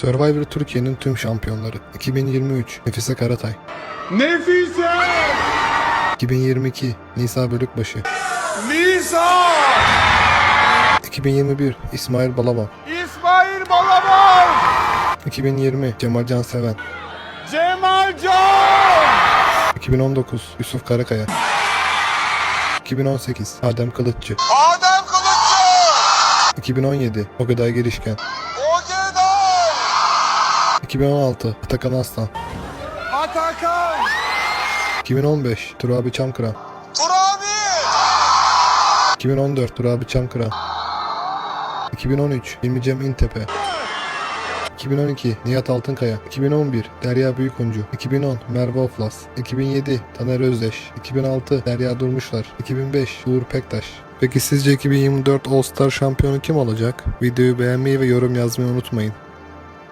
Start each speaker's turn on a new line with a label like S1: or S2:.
S1: Survivor Türkiye'nin tüm şampiyonları. 2023 Nefise Karatay.
S2: Nefise!
S1: 2022 Nisa Bölükbaşı.
S2: Nisa!
S1: 2021 İsmail Balaban.
S2: İsmail Balaban!
S1: 2020 Cemal Canseven.
S2: Cemalcan!
S1: 2019 Yusuf Karakaya. 2018 Adem Kılıççı.
S2: Adem Kılıççı!
S1: 2017 Ogeday Girişken.
S2: Ogeday!
S1: 2016 Atakan Aslan.
S2: Atakan!
S1: 2015 Turabi Çamkıran.
S2: Turabi!
S1: 2014 Turabi Çamkıran. 2013 Hilmi Cem İntepe. 2012 Nihat Altınkaya. 2011 Derya Büyükuncu. 2010 Merve Oflas. 2007 Taner Özdeş. 2006 Derya Durmuşlar. 2005 Uğur Pektaş. Peki sizce 2024 All Star şampiyonu kim olacak? Videoyu beğenmeyi ve yorum yazmayı unutmayın.